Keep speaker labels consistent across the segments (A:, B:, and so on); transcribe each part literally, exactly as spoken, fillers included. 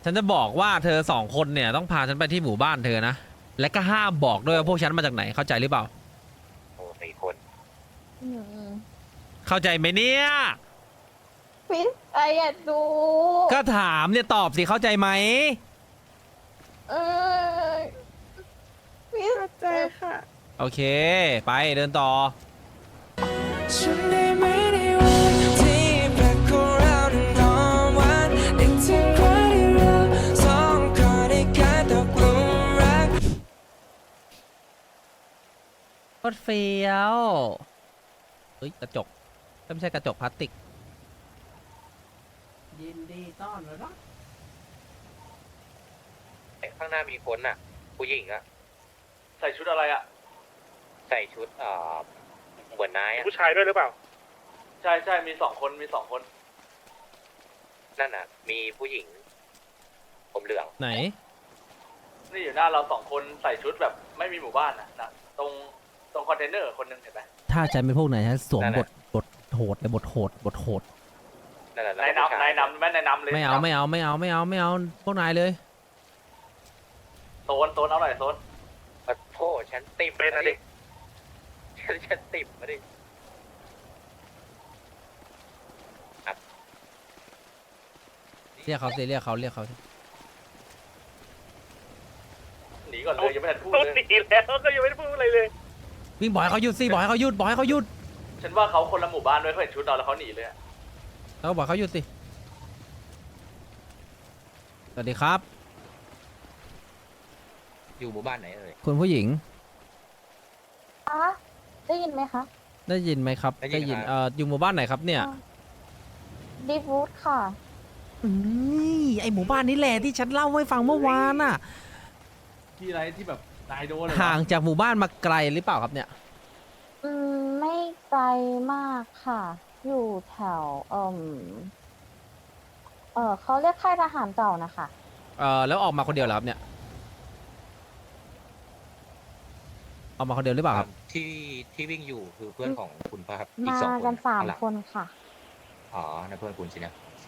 A: ฉันจะบอกว่าเธอสองคนเนี่ยต้องพาฉันไปที่หมู่บ้านเธอนะและก็ห้ามบอกด้วยว่าพวกฉันมาจากไหนเข้าใจหรือเปล่า
B: โอ้สี่คน
C: อืม
A: เข้าใจไหมเนี่ย
C: พี่ไออยากดู
A: ก็ถามเนี่ยตอบสิเข้าใจไหม
C: เออพี่เข้าใจค่ะ
A: โอเคไปเดินต่อ
D: ฉันได้ไม่ได้วันที่แปลกของเรานั้นหอมหวานนึกถึงวันที่เราสองคนได้กลายตกหลุมรัก
A: โคตรเฟี้ยวเฮ้ยกระจกไม่ใช่กระจกพลาสติกยินดีต้อนรับ
B: ข้างหน้ามีคนน่ะ ผู้หญิงอะ
E: ใส่ชุดอะไรอ่ะ
B: ใส่ชุดเอ่อเหมือนนายอะ
F: ผู้ชายด้วยหรือเปล่า
E: ใช่ใช่มีสองคนมีสองคน
B: นั่นน่ะ มีผู้หญิง ผมเหลือง
A: ไหน
E: นี่อยู่หน้าเราสองคนใส่ชุดแบบไม่มีหมู่บ้านนะนะตรงตรงคอนเทนเนอร์คนหนึงเห็นไหม
A: ถ้าฉันเป็นพวกไหนฉันสวมบทบทโหดเลยบทโหดบทโหด
B: นั่นน่ะ
E: นาย
B: แล้วก็ผู้ช
E: นำนายนำแม่นายนำเลย
A: ไม่เอาไม่เอาไม่เอาไม่เอาไม่เอาพวกนายเลย
E: โซนโซนเอาหน่อยโซน
B: ขอโทษฉันติ่ม
F: เป็นอะ
B: มา
F: ดิ
B: ดิฉันฉันติ่มมาดิ
A: เรียกเขาสิเรียกเขาเรียกเขาสิ
E: หนีก่อนเลยยังไม่ทันพูด
F: ต้น
E: เลย
F: หนีแล้วก็ยังไม่ได้พูดอะไรเลย
A: วิ่งบอกให้เขาหยุดสิบอกให้เขาหยุดบอกให้เขาหยุด
E: ฉันว่าเขาคนละหมู่บ้านด้วยเขาเห็นชุดเราแล้วเขาหนีเลยอะ
A: เขาบอกเขาหยุดสิสวัสดีครับ
B: อยู่หมู่บ้านไหนเอ่ย
A: คุณผู้หญิง
C: คะได้ยินไหมคะ
A: ได้ยินไหมครับได้ยินเอ่ออยู่หมู่บ้านไหนครับเนี่ย
C: ดีฟูดค่ะ
A: อืมไอหมู่บ้านนี้แหละที่ฉันเล่าให้ฟังเมื่อวานน่ะ
E: ที่อะไรที่แบบนายโดนเลย
A: ห่างจากหมู่บ้านมาไกลหรือเปล่าครับเนี่ย
C: อืม ไม่ไกลมากค่ะ อยู่แถว เอ่มเออเขาเรียกค่ายทหารเก่านะคะ
A: เอ่อแล้วออกมาคนเดียวเหรอครับเนี่ยออกมาคนเดียวหรือเปล่าครับ
B: ที่ที่วิ่งอยู่คือเพื่อนของคุณป่ะครับอีก
C: มา
B: สองคน
C: กันสาม
B: ข้งหลัง
C: คนค่ะ
B: อ๋อนั่นเพื่อนคุณสินะ
C: ใช่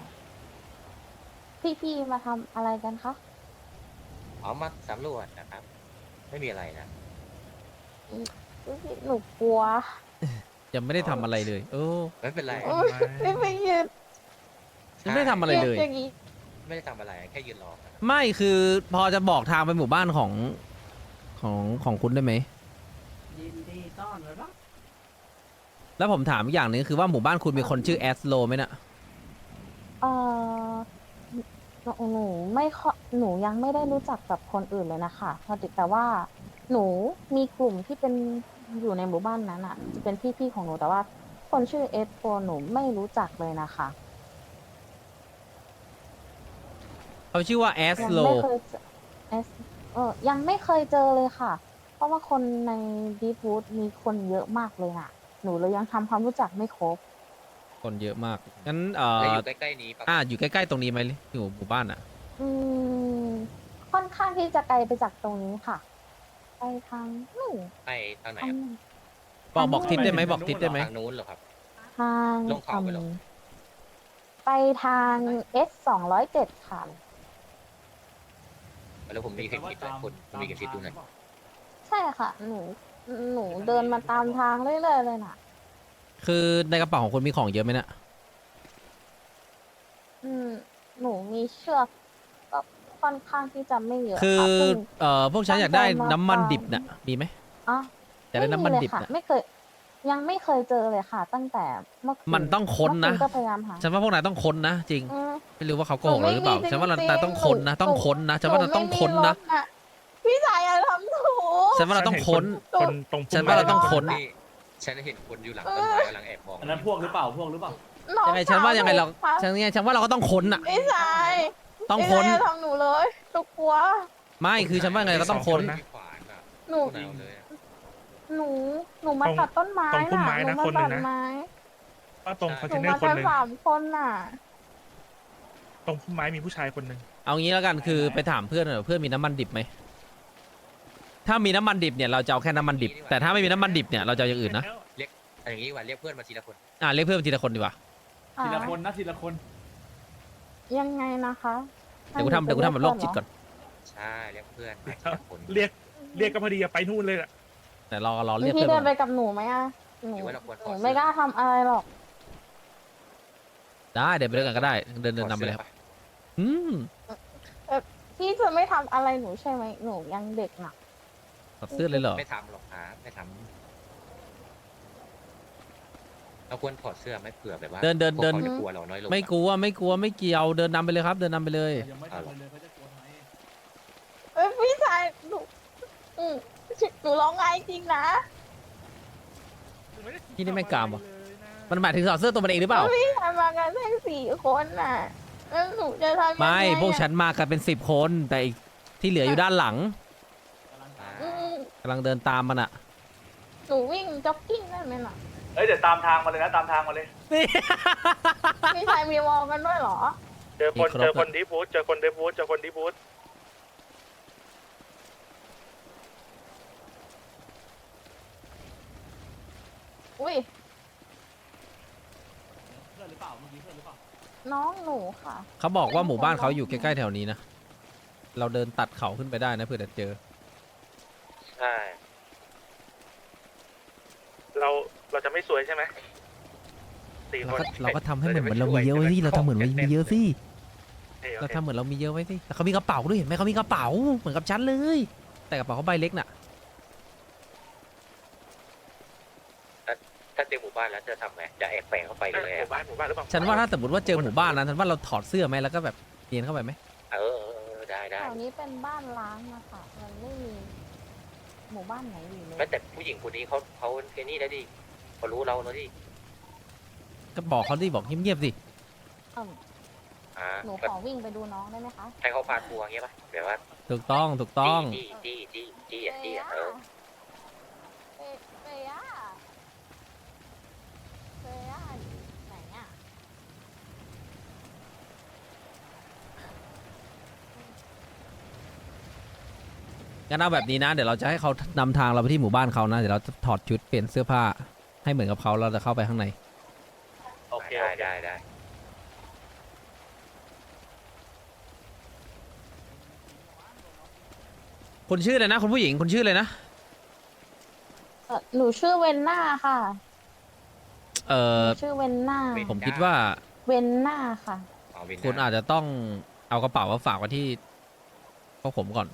C: พี่ๆมาทำอะไรกันคะ
B: อ๋อมาสำรวจนะครับ ไม่มีอะไรนะ
C: พี่ๆหนูกลัว
A: ยังไม่ได้ทำอะไรเลยเออ
B: ไม่เป็นไร
C: โอ๊ยไม่ไปยืน
A: ยังไม่ได้ทำอะไรเลย
C: อย่างนี้
B: ไม่ได้ทำอะไรแค่ยืนรอนะครับ
A: ไม่คือพอจะบอกทางไปหมู่บ้านของของของคุณได้ไหมยินดีต้อนรับแล้วผมถามอีกอย่างหนึงคือว่าหมู่บ้านคุณมีคนชื่อแอสโลไหมน่ะ
C: เออหนูหนูไม่ค่อยหนูยังไม่ได้รู้จักกับคนอื่นเลยนะคะพอดีแต่ว่า หนูมีกลุ่มที่เป็นอยู่ในหมู่บ้านนั้นอ่ะ จะเป็นพี่ๆของหนูแต่ว่า คนชื่อเอสโฟหนูไม่รู้จักเลยนะคะ
A: เขาชื่อว่าแอส
C: ยั
A: โล
C: ไม่เคยเจอเอสเออยังไม่เคยเจอเลยค่ะ เพราะว่าคนในดีฟูดมีคนเยอะมากเลยน่ะ หนูเลยยังทำความรู้จักไม่ครบ
A: คนเยอะมากงั้นเอ่
B: แล้ว
A: อ
B: อยู่ใกล้ๆนี้ปะ
A: อ่าอยู่ใกล้ๆตรงนี้ไหมอยู่หมู่บ้านอ่ะ
C: อืม ค่อนข้างที่จะไกลไปจากตรงนี้ค่ะ ไปทางนู่น
B: ไปทางไหน
C: ทาง
B: อะ
C: นู่น
A: บอกบอกทิศได้ไหมบอกทิศได้ไหม
B: ทางนู้นเหรอครับ
C: ทาง
B: ลงเขาไปเหรอ
C: อืมไปทางเอสสองร้อยเจ็ดค่ะ
B: แล้วผมมีเข็มทิศด้วยคุณผมมีเข็มทิศดูหน่อย
C: ใช่ค่ะ หนู หนูเดินมาตามทางเรื่อยๆเลยน่ะ
A: คือในกระเป๋าของคุณมีของเยอะไหมน่ะ
C: อืม หนูมีเชือกก็ค่อนข้างที่จะไม่เยอะ
A: คือ
C: ค่ะเพิ่ง
A: เอ่อพวกฉันอยากได้น้ำมันดิบน่ะมีไหม
C: อ๋อ
A: อยากได้น้ำมันดิบ
C: ค่ะ
A: น่ะ
C: ไม่เคย ยังไม่เคยเจอเลยค่ะ ตั้งแต่เมื่อคืน
A: มันต้องค้นนะ
C: เมื่อก็พยายามหา
A: ฉันว่าพวกนายต้องค้นนะจริง
C: อืม
A: ไม่รู้ว่าเขาโกหกเราหรือเปล่า
C: หนูไม่มี
A: ฉันว่าเรา
C: จริงๆ
A: นายต้องค้นนะ
C: หนู
A: ต้องค้นนะฉันว่าเราต้องค้นนะ
C: หไม่มีรถพี่ชายอย่าทำหนู
A: ฉันว่าเราต้องค้น
F: คนตรง
A: ฉันว่าเราต้องค้น
B: ที่ฉันเห็นคนอยู่หลังต้นไม้กำลังแอบมอง
E: อันนั้นพวกหรือเปล่าพวกหรือเปล่า
C: น้อ
A: ยังไงฉันว่ายังไงเรา
C: สวหนู
A: ฉันไงฉันว่าเราก็ต้องค้นอ่ะ
C: พี่ชาย
A: ต้องค้น
C: พี่ชายอย่าทำหนูเลยหนูกลัว
A: ไม่คือฉันว่าไงเราก็ต้องค้น
B: มีขวานอะ
C: หนู
B: พวกเราเลยอะ
C: หนู หนูมาตัดต้นไม้
F: ตรงพุ่ม
C: น่ะ
F: ไม้
C: หนู
F: นะ
C: มา
F: คนห
C: ตั
F: นึ่
C: ด
F: งนะ
C: ไม้
F: ก็ตรงคอน
C: ห
F: เท
C: นู
F: นเนอ
C: มา
F: ร์คน
C: กัน
F: หนึ่ง
C: สามคนน่ะ
F: ตรงพุ่มไม้มีผู้ชายคนหนึ่ง
A: เอางี้แล้วกันคือไปถามเพื่อนหน่อยเพื่อนมีน้ำมันดิบไหมถ้ามีน้ำมันดิบเนี่ยเราจะเอาแค่น้ำมันดิบ แต่ถ้าไม่มีน้ำมันดิบเนี่ยเราจะเอาอย่างอื่นนะ
B: เอาอย่างนี้ดีกว่าเรียกเพื่อนมาทีละคน
A: อ่าเรียกเพื่อนทีละคนดีกว่า
E: ทีละคนนะทีละคน
C: ยังไงนะคะ
A: เดี๋ยวกูทำเดี๋ยวกูทำแบบโรคจิตก่อน
B: ใช่เรียกเพื่อนมาทีละคน
F: เรียกเรียกก็พอดีอะไปนู่นเลยอะ
A: แต่รอรอเรียก
C: พี่
A: เพื่อน
C: เดินไป
A: ก่อน
C: กับหนูไหมอะหนู
B: หรือว่าเราควรถ
C: ห
B: อ
C: นู
B: ดเสื้อ
C: ไม่กล้าทำอะไรหรอก
A: ได้เดี๋ยวไปด้วยกันก็ได้เดินเดินนำไปเลยครับอืม
C: พี่จะไม่ทำอะไรหนูใช่ไหมหนูยังเด็กน่ะ
A: ถอดเสื้อเลยเหรอ
B: ไม่ทำหรอกครับไม่ทำเราควรถอดเสื้อไหม่เผื่อแบบว่า
A: เดินเดิน
B: พวก
A: เดิน
B: เขาจะกลัวเราน้อยลง
A: ไม่กลัวไม่กลัวไม่เกี่ยวเดินนำไปเลยครับ เดินนำไปเลย
E: ยังไม่ทำอะไรเลยเขาจะกลัวทำไม
C: เอ้ยพี่ชายหนูอืมหนูร้องไห้จริงนะ
A: ที่นี่ไม่กล้าว่ะ มันหมายถึงถอดเสื้อตัวมันเองหรือเปล่า
C: พี่ชายมากันแค่สี่คนน่ะแล้วหนูจะทำยังไง
A: ไม่
C: อะ
A: พวกฉันมากันเป็นสิบคน แต่อีกที่เหลืออยู่ด้านหลัง
C: อืม
A: กำลังเดินตามมันอะ
C: หนูวิ่งจ็อกกิ้งได้ไหมน่ะ
E: เอ้ยเดี๋ยวตามทางมาเลยนะตามทางมาเลย
C: พี่ชายมีวอลกันด้วยเหรอ
F: เจอคนเจอคนดีบูธเจอคนดีบูธเจอคนดีบูธ
C: อุ้ย
E: เพื่อนหรือเปล่าเมื่อกี้เพื่อนหรือเปล่า
C: น้องหนูค่ะ
A: เขาบอกว่าหมู่บ้านเขาอยู่ใกล้ๆแถวนี้นะ เราเดินตัดเขาขึ้นไปได้นะเผื่อจะเจอ
B: ใช่
F: เราเราจะไม่สวยใช่ไหมสี่
A: เรา
F: คน
A: ก็เราก็ทำให้เหมือนเหมือนเรามีเยอะไว้สิเราทำเหมือนเรามีเยอะสิ
F: เอ้ยโอ
A: เรา
F: เค
A: ทำเหมือนเรามีเยอะไว้สิแต่เขามีกระเป๋าด้วยเห็นไหมเขามีกระเป๋าเหมือนกับฉันเลย แต่กระเป๋าเขาใบเล็กน่ะ
B: ถ้าเจอหมู่บ้านแล้วจะทำไงจะแอบแฝงเข้าไป
F: เอ้
B: เลย ย
F: หมู่
B: อะ
F: บ้านหมู่บ้านหรือเปล่า
A: ฉันว่าถ้าสมมติว่าเจอหมู่บ้านนั้นฉันว่าเราถอดเสื้อไหมแล้วก็แบบเนียนเข้าไปไหม
B: เออเออเออได้ได้
C: แถวนี้เป็นบ้านล้างนะคะมันไม่มีหมู่บ้านไหนอยู่เลย
B: แม้แต่ผู้หญิงคนนี้เขาเขาแค่นี้แล้วดิเขารู้เราแล้วดิ
A: ก็บอกเขาดิบอกเงียบๆสิ
C: เอิ่ม
B: อ่า
C: หนู
B: ก็
C: ขอวิ่งไปดูน้องได้ไหมคะ
B: ให้เขาพาทัวร์อย่างเงี้ยป่ะแบบว่า
A: ถูกต้องถูกต้อง
B: จี้จี้จี้จี้จี้อ่ะจี้อ่ะเออ
C: เฟเฟย่าเฟย่าอยู่ไหนอ่ะ
A: งั้นเอาแบบนี้นะ เดี๋ยวเราจะให้เขานำทางเราไปที่หมู่บ้านเขานะ เดี๋ยวเราจะถอดชุดเปลี่ยนเสื้อผ้า ให้เหมือนกับเขาเราจะเข้าไปข้างใน
E: โอเค
B: ได้
E: โอเค
B: ได้ได้
A: คุณชื่ออะไรนะคุณผู้หญิงคุณชื่ออะไรนะ
C: เอ่อหนูชื่อเวนน่าค่ะ
A: เอ
C: ห
A: อ
C: นูชื่อเวนน่า
A: ผมคิดว่า
C: เวนน่าค่ะ
B: เอาวิน
A: คุณอาจจะต้องเอากระเป๋ามาฝากไว้ที่พวกผมก่อน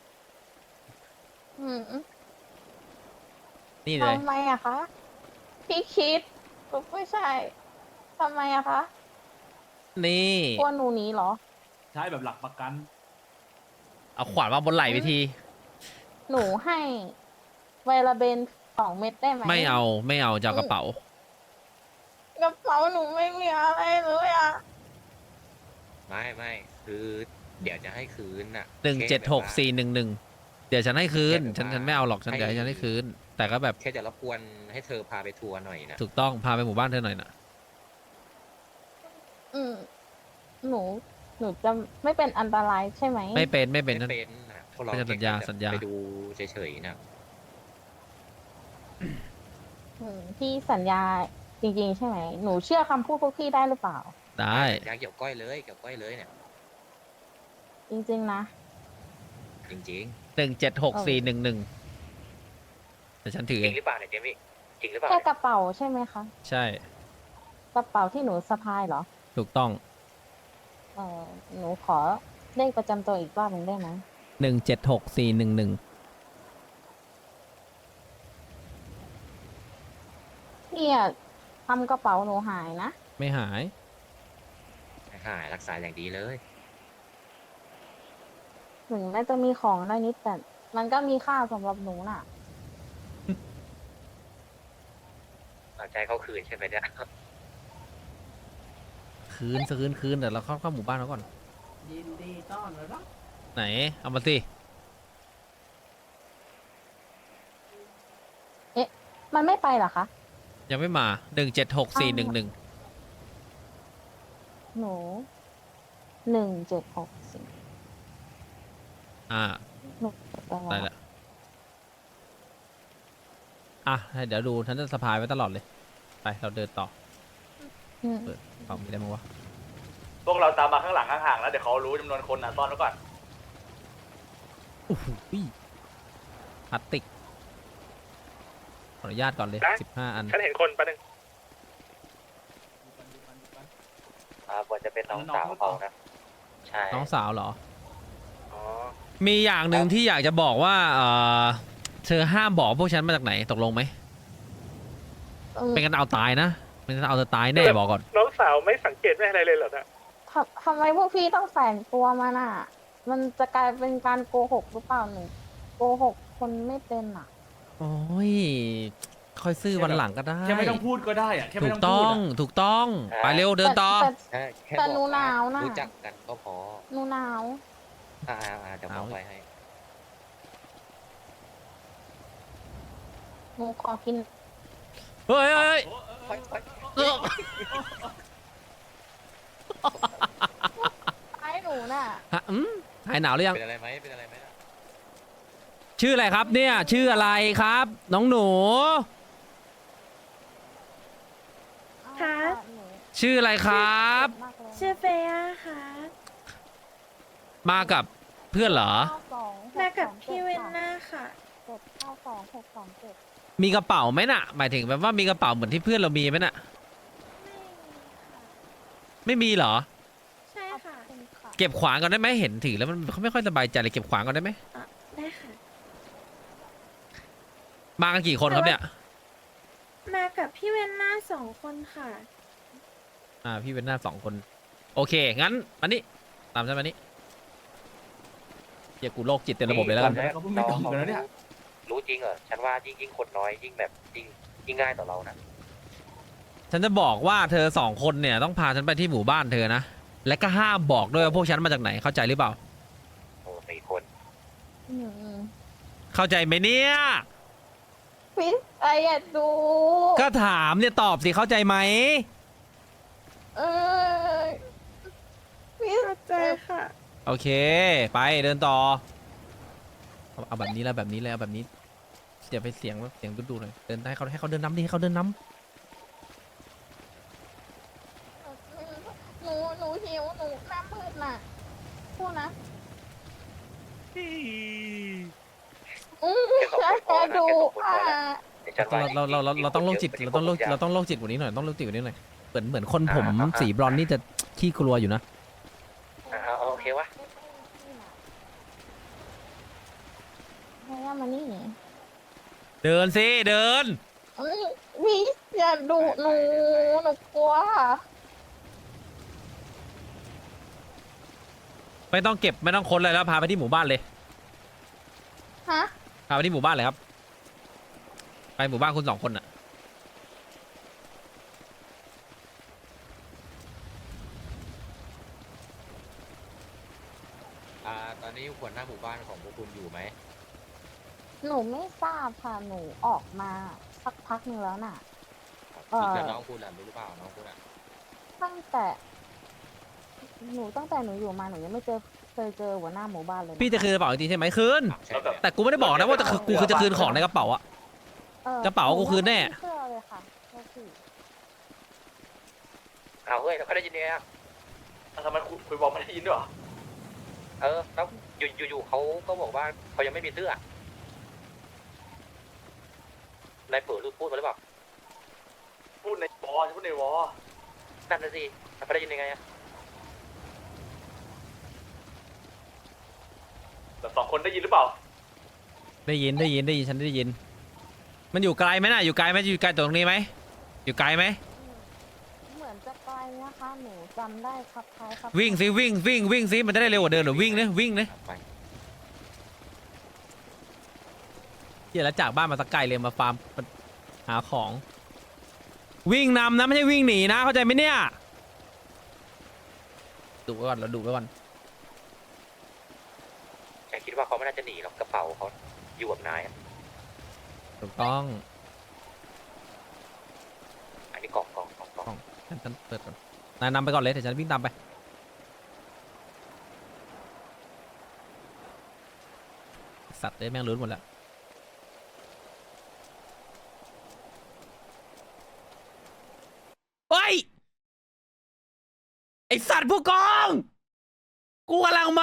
C: อืม
A: นี่เลย
C: ทำไมอะคะ พี่คิดไม่ใช่ทำไมอะคะ
A: นี่
C: กลัวหนูหนีเหรอ
E: ใช้แบบหลักประกัน
A: เอาขวานมาบนไหล่ไปที
C: หนูให้ไวลาเบนสองเม็ดได้ไหม
A: ไม่เอาไม่เอาจะเอากระเป๋า
C: กระเป๋าหนูไม่มีอะไรเลยอะ
B: ไม่ไม่คือเดี๋ยวจะให้คืนน่ะ
A: หนึ่งเจ็ดหกสี่หนึ่งหนึ่งเดี๋ยวฉันให้คืน
B: แค่แบบ
A: ฉัน
B: ว่า
A: ฉันไม่เอาหรอกฉัน
B: ให้
A: เดี๋ยวให้ฉันให้คืน แต่ก็แบบ
B: แค่จะรบกวนให้เธอพาไปทัวร์หน่อยนะ
A: ถูกต้องพาไปหมู่บ้านเธอหน่อยนะ
C: อืมหนู หนูจะไม่เป็นอันตรายใช่ไหม
A: ไม่เป็นไม่เป็น
B: ไม่เป็นนะพวกเรา
A: ไม่ใช่สัญญา
B: แค่
A: สัญญา
B: ไปดูเฉยๆนะ
C: อืมพี่สัญญาจริง ๆ ใช่ไหม หนูเชื่อคำพูดพวกพี่ได้หรือเปล่า
A: ได้
B: ยาเกี่ยวก้อยเลยเกี่ยวก้อยเลยเนี่ย
C: จริง ๆ นะ
B: จริง
A: หนึ่งเจ็ดหกสี่หนึ่งหนึ่งแต่ฉันถือ
B: ๆ
A: เอ
B: จริ
A: ง
B: งหรือเปล่าเนี่ยเจมี่จริงหรือเปล่า
C: แค่
B: เนี่ย
C: กระเป๋าใช่ไหมคะ
A: ใช่
C: กระเป๋าที่หนูสะพายเหรอ
A: ถูกต้อง
C: เออหนูขอเลขประจำตัวอีกรอบหนึ่งได้ไหม
A: หนึ่งเจ็ดหกสี่หนึ่งหนึ่ง
C: พี่อะทำกระเป๋าหนูหายนะ
A: ไม่หาย
B: หายรักษาอย่างดีเลย
C: ถึงแม้จะมีของได้นิดแต่มันก็มีค่าสำหรับหนูน่ะ
B: เอาใจเขาคืนใช่ไหมเนี่ย
A: คืนคืนคืนเดี๋ยวเราเข้าเข้าหมู่บ้านเขาก่อน
E: ยินดีต้อนรับ
A: ไหน เอามาสิ
C: มันไม่ไปเหรอคะ
A: ยังไม่มาหนึ่งเจ็ดหกสี่หนึ่งหนึ่ง
C: หนูหนึ่งเจ็ดหกสี่
A: อ่า
C: หนูจด
A: ได้
C: แล้ว
A: ละอ่ะให้เดี๋ยวดูฉันจะสะพายไว้ตลอดเลย ไปเราเดินต่อ
C: อืม
A: เปิดเปล่ามีอะไรมั้างวะ
F: โซ
E: วกเราตามมาข้างหลังห่างๆแล้วเดี๋ยวเขารู้จำนวนคนนะซ่อนไว้ก่อน
A: โอ้โหพลาสติกขออนุญาตก่อนเลยสิบห้าอัน
F: ฉันเห็นคนปะหนึ่ง
B: อ่าควรจะเป็นน้องสาวเขานะใช่
A: น้องสาวเหรอ
F: อ๋อ
A: มีอย่างหนึ่งที่อยากจะบอกว่าเออเธอห้ามบอกพวกฉันมาจากไหนตกลงไหม
C: เออ
A: เป็นกันเอาตายนะเป็นกันเอาเธอตายแน่บอกก่อน
F: น้องสาวไม่สังเกตไม่อะไรเลยเหรอนะ
C: ทำทำไมพวกพี่ต้องแฝงตัวมาน่ะ มันจะกลายเป็นการโกหกหรือเปล่าหนูโกหกคนไม่เป็นอ่ะ
A: โอ้ยค่อยซื่อวันหลังก็ได้
G: แค่ไม่ต้องพูดก็ได้อะแค่
A: ถู
G: ไม่
A: ก
G: ต้อง
A: ต้
G: พู
A: อ
G: ด
A: ง
G: อะ
A: ถูกต้องไปเร็วเดินต่อ
C: แต่
B: ใช่แค่
C: แต่
B: บอก
C: หนูหนาวน่ะ
B: รู้จักกันก็พอ
C: หนูหนาว
B: อ่าอ่าเดี๋ยวมองไปให้
C: หนูขอกิน
A: เฮ้ยเฮ้ย
B: ไปไป
A: เฮ้ย
C: ไอ้หนูน่ะ
A: ฮะอืมหายหนาวหรือยัง
B: เป็นอะไรไหมเป็นอะไรไหมนะ
A: ชื่ออะไรครับเนี่ยชื่ออะไรครับ น้องหนู
C: คะ
A: ชื่ออะไรครับ
H: ชื่อเฟย่าค่ะ
A: มากับเพื่อนเหรอ
H: มากับพี่เวนน่าค่ะ
C: เจ็ดเก้าสองหกสองเจ็ด
A: มีกระเป๋าไหมน่ะ หมายถึงแบบว่ามีกระเป๋าเหมือนที่เพื่อนเรามีไหมน่ะ
H: ไม่มีค่ะ
A: ไม่มีเหรอ
H: ใช่ค่ะ
A: เก็บขวานก่อนได้ไหมเห็นถือแล้วมันเขาไม่ค่อยสบายใจเลยเก็บขวานก่อนได้ไหม
H: อ่ะได้ค่ะ
A: มากันกี่คนครับเนี่ย
H: มากับพี่เวนน่าสองคนค่ะ
A: อ่าพี่เป็นหน้าสองคน โอเคงั้นมานี่ตามฉันมานี่เดี๋ยวกูโรคจิตเต็มระบบเลยแล้วกัน
G: ดี๋ยวเขาเพิ่งไม่ตอบกันแล้วเนี่ย
B: รู้จริงเหรอฉันว่ายิ่งยิ่งคนน้อยยิ่งแบบยิ่งยิ่งง่ายต่อเรานะ
A: ฉันจะบอกว่าเธอสองคนเนี่ยต้องพาฉันไปที่หมู่บ้านเธอนะและก็ห้ามบอกด้วยว่าพวกฉันมาจากไหนเข้าใจหรือเปล่า
B: โอ้สี่คน
C: อืม
A: เข้าใจไหมเนี่ย
C: พี่ไอ้อยากดู
A: ก็ถามเนี่ยตอบสิเข้าใจไหม
C: เออพี่
H: เข้าใจค่ะ
A: โอเค ไปเดินต่อเอาเอาแบบนี้แล้วแบบนี้แล้วแบบนี้เดี๋ยวไปเสียงเสียงดูๆหน่อยเดินให้เขาให้เขาเดินน้ำดิให้เขาเดินน้
C: หนูหนูหิวหนูหน้ามืดน่ะพูดนะอืมอยากดูอ่ะ
B: เดี๋ยวฉันว่า
A: ำเราเราเราเราเราต้องโรคจิตเราต้องโรคเราต้องโรคจิตกว่านี้หน่อยต้องโรคจิตกว่านี้หน่อยเหมือนเหมือนคนผมสีบรอนซ์นี่จะขี้กลัวอยู่นะ
B: อ่าโอเควะ
C: ให้ย่ามานี่
A: เดินสิเดิน
C: เอ้ยพี่อย่าดูหนูหนูกลัว
A: ไม่ต้องเก็บไม่ต้องค้นอะไรแล้วพาไปที่หมู่บ้านเลย
C: ฮะ
A: พาไปที่หมู่บ้านเลยครับไปหมู่บ้านคุณสองคนน่ะ
B: อ่าตอนนี้หัวหน้าหมู่บ้านของพวกคุณอยู่ไหม
C: หนูไม่ทราบค่ะหนูออกมาสักพักหนึงแล้วน่ะ เอ่อ
B: แล้วน้องคุณล่ะรู้หรือเปล่าน้องคุณอ่ะ
C: ตั้งแต่ หนูตั้งแต่หนูอยู่มาหนูยังไม่เจอเคยเจอหัวหน้าหมู่บ้านเลยนะ
A: พี่จะคืนกระเป๋าจริงๆใช่ไหมคืน
B: ใช่ไหม
A: แต่กูไม่ได้บอกนะว่าจะคือกูคือจะคืนของในกระเป๋าอะ
C: ออก
A: ระเป๋ากูคืนแน่
C: หไม่เชื่อเลยค่ะโทษที
B: เอาเฮ้ยเราก็ได้ยินเนี่ย
E: ทำไมคุยคุยบอกไม่ได้ยินด้วยเหรอ
B: เออแล้วอยู่อยู่อยู่เขาก็บอกว่าเขายังไม่มีเสื้อนายเปิดรูปพูดมาหรือเปล่า
E: พูดในวอลพูดในวอล
B: นั่นน่ะสิเขาได้ยินยังไงอะ
E: แบบสองคนได้ยินหรือเปล่า
A: ได้ยินได้ยินได้ยินฉันได้ยิน มันอยู่ไกลไหมน่ะอยู่ไกลไหมอยู่ไกลตรงนี้ไหมอยู่ไกลไหม
C: เหมือนจะไกลนะคะหนูจำได้ครับคล้ายครับ
A: วิ่งสิวิ่งวิ่งวิ่งสิมันจะได้เร็วกว่าเดินหรือวิ่งเนี่ยวิ่งเนี่ย
B: ไป
A: เดี๋ยวแล้วจากบ้านมาตะไกลเลยมาฟาร์มหาของ วิ่งนำนะไม่ใช่วิ่งหนีนะเข้าใจไหมเนี่ยดูไว้ก่อนเราดูไว้ก่อน
B: แกคิดว่าเขาไม่น่าจะหนีหรอกกระเป๋าเขาอยู่กับนายอะ
A: ถูกต้อง
B: อันนี้กล่องกล่องกล่องกล่อง
A: ฉันฉันเปิดก่อนนายนำไปก่อนเลยเดี๋ยวฉันวิ่งตามไปสัตว์เลยแม่งลุ้นหมดแล้วโอ้ยไอสัตว์ผู้กอง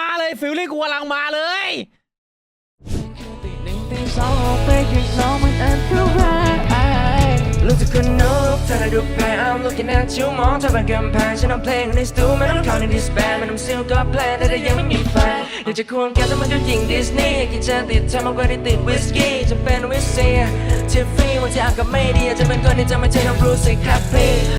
A: มาเลยฟิลลิ่งกูกำลังมาเลย
D: รู้สึกคนนกเธอได้ดูแพ้ I'm looking at you มองเธอเป็นกำแพงฉันเอาเพลงในสตูไม่ต้องเข้าในดิสแบนไม่ต้องซิลก็แพลนแต่ถ้ายังไม่มีแฟนอยากจะควงแกแต่มันก็ยิงดิสนีย์กินจะติดเธอมากกว่าที่ติดวิสกี้จะเป็นวิสเซียทิฟฟี่วันที่อากาศไม่ดีอาจจะเป็นคนที่จะไม่ใช่น้องรู้สึกแฮปปี้